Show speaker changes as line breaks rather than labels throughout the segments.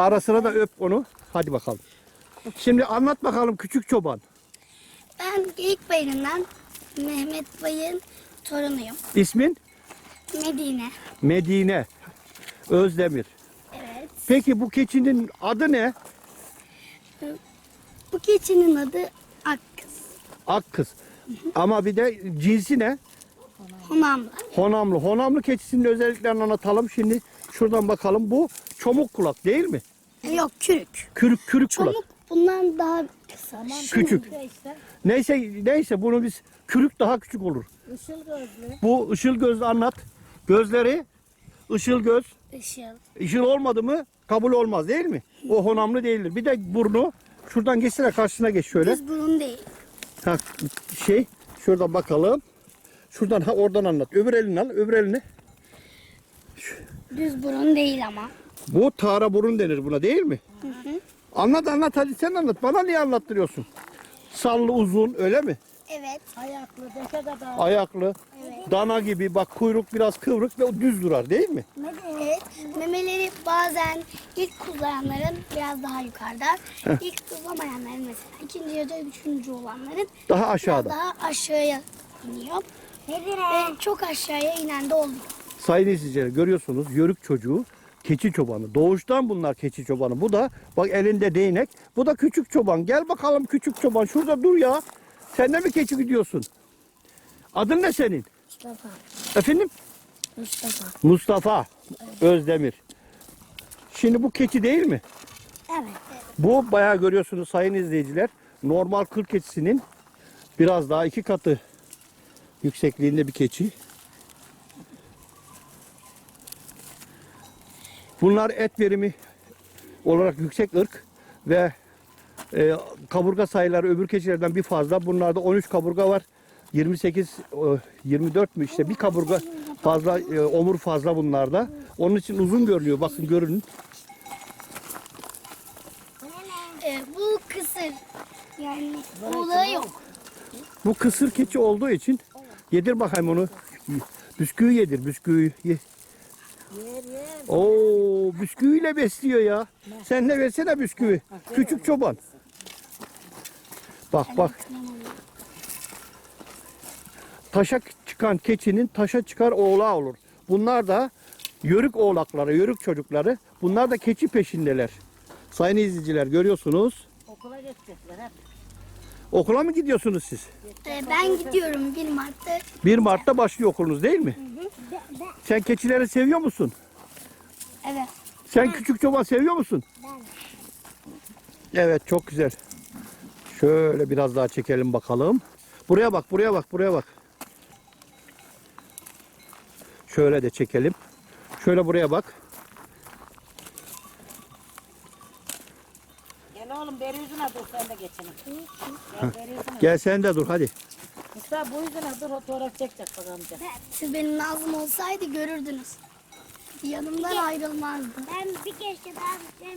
Ara sıra da öp onu. Hadi bakalım. Şimdi anlat bakalım küçük çoban.
Ben Geyik Bayırı'ndan Mehmet Bay'ın torunuyum.
İsmin?
Medine.
Medine Özdemir.
Evet.
Peki bu keçinin adı ne?
Bu keçinin adı Akkız.
Akkız. Ama bir de cinsi ne?
Honamlı.
Honamlı. Honamlı keçisinin özelliklerini anlatalım. Şimdi şuradan bakalım. Bu çomuk kulak değil mi?
Yok, kürük.
Kürük kulak.
Çomuk bundan daha kısa.
Küçük. Neyse bunu biz kürük daha küçük olur.
Işıl gözlü.
Bu ışıl gözlü anlat. Gözleri ışıl göz.
Işıl.
Işıl olmadı mı kabul olmaz değil mi? O honamlı değildir. Bir de burnu. Şuradan geçsene karşısına geç şöyle.
Düz burun değil.
Ha, şuradan bakalım. Şuradan oradan anlat. Öbür elini al. Öbür elini.
Düz burun değil ama.
Bu tara burun denir buna değil mi? Anlat hadi sen anlat. Bana niye anlattırıyorsun? Sallı uzun öyle mi?
Evet.
Ayaklı, deke kadar.
Ayaklı. Dana gibi bak kuyruk biraz kıvrık ve düz durar değil mi?
Evet. Memeleri bazen ilk kullayanların biraz daha yukarıda. İlk kullanmayanların mesela ikinci ya da üçüncü olanların
Daha
biraz
aşağıda.
daha aşağıya iniyor. Ve çok aşağıya inen de oluyor.
Sayın izleyiciler görüyorsunuz yörük çocuğu keçi çobanı. Doğuştan bunlar keçi çobanı. Bu da bak elinde değnek. Bu da küçük çoban. Gel bakalım küçük çoban. Şurada dur ya. Sen de mi keçi gidiyorsun? Adın ne senin?
Mustafa.
Efendim?
Mustafa.
Mustafa Özdemir. Şimdi bu keçi değil mi?
Evet.
Bu bayağı görüyorsunuz sayın izleyiciler. Normal kır keçisinin biraz daha 2 katı yüksekliğinde bir keçi. Bunlar et verimi olarak yüksek ırk ve kaburga sayıları öbür keçilerden bir fazla. Bunlarda 13 kaburga var. 28, 24 mü işte bir kaburga fazla, omur fazla bunlarda. Onun için uzun görünüyor. Bakın görünün.
Bu kısır. Yani oğlağı yok.
Bu kısır keçi olduğu için yedir bakayım onu. Bisküvi yedir, bisküvi. Ye. Oo, bisküviyle besliyor ya. Sen de versene bisküvi. Küçük çoban. Bak. Taşa çıkan keçinin taşa çıkar oğlağı olur. Bunlar da yörük oğlakları, yörük çocukları. Bunlar da keçi peşindeler. Sayın izleyiciler görüyorsunuz.
Okula gidecekler hep.
Okula mı gidiyorsunuz siz?
Ben gidiyorum 1 Mart'ta.
1 Mart'ta başlıyor okulunuz değil mi? Sen keçileri seviyor musun?
Evet.
Sen küçük çoban seviyor musun? Evet çok güzel. Şöyle biraz daha çekelim bakalım. Buraya bak. Şöyle de çekelim. Şöyle buraya bak.
Gel oğlum beri yüzüne dur sen de geçelim. Gel beri yüzüne.
Gel sen de dur hadi.
Mustafa bu yüzüne dur fotoğraf çekecek bak amca.
Siz benim Nazım olsaydı görürdünüz. Yanımdan ayrılmazdı. Ben bir kere daha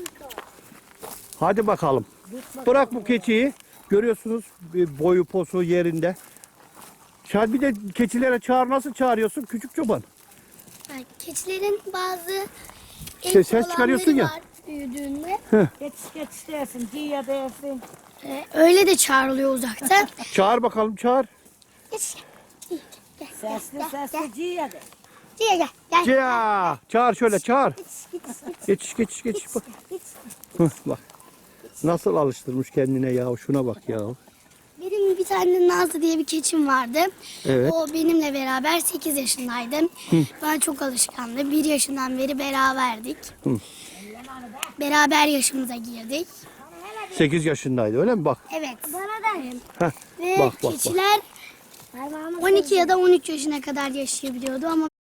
Hadi bakalım. Bırak bu keçiyi. Görüyorsunuz boyu posu yerinde. Bir de keçilere nasıl çağırıyorsun küçük çoban?
Keçilerin bazı
Ses çıkarıyorsun ya.
var büyüdüğünde.
Geçiş dersin, ciye dersin.
Öyle de çağrılıyor uzaktan.
Çağır bakalım çağır.
Geç. Gel.
Sesli ciye de.
Gel. Gel.
Ya, çağır şöyle çağır. Geç. Bak. Bak. Nasıl alıştırmış kendine ya. Şuna bak ya.
Benim bir tane Nazlı diye bir keçim vardı.
Evet.
O benimle beraber 8 yaşındaydı. Ben çok alışkandı. 1 yaşından beri beraberdik. Beraber yaşımıza girdik.
8 yaşındaydı öyle mi? Bak.
Evet. Bana da.
Heh,
Ve
bak.
keçiler 12 ya da 13 yaşına kadar yaşayabiliyordu ama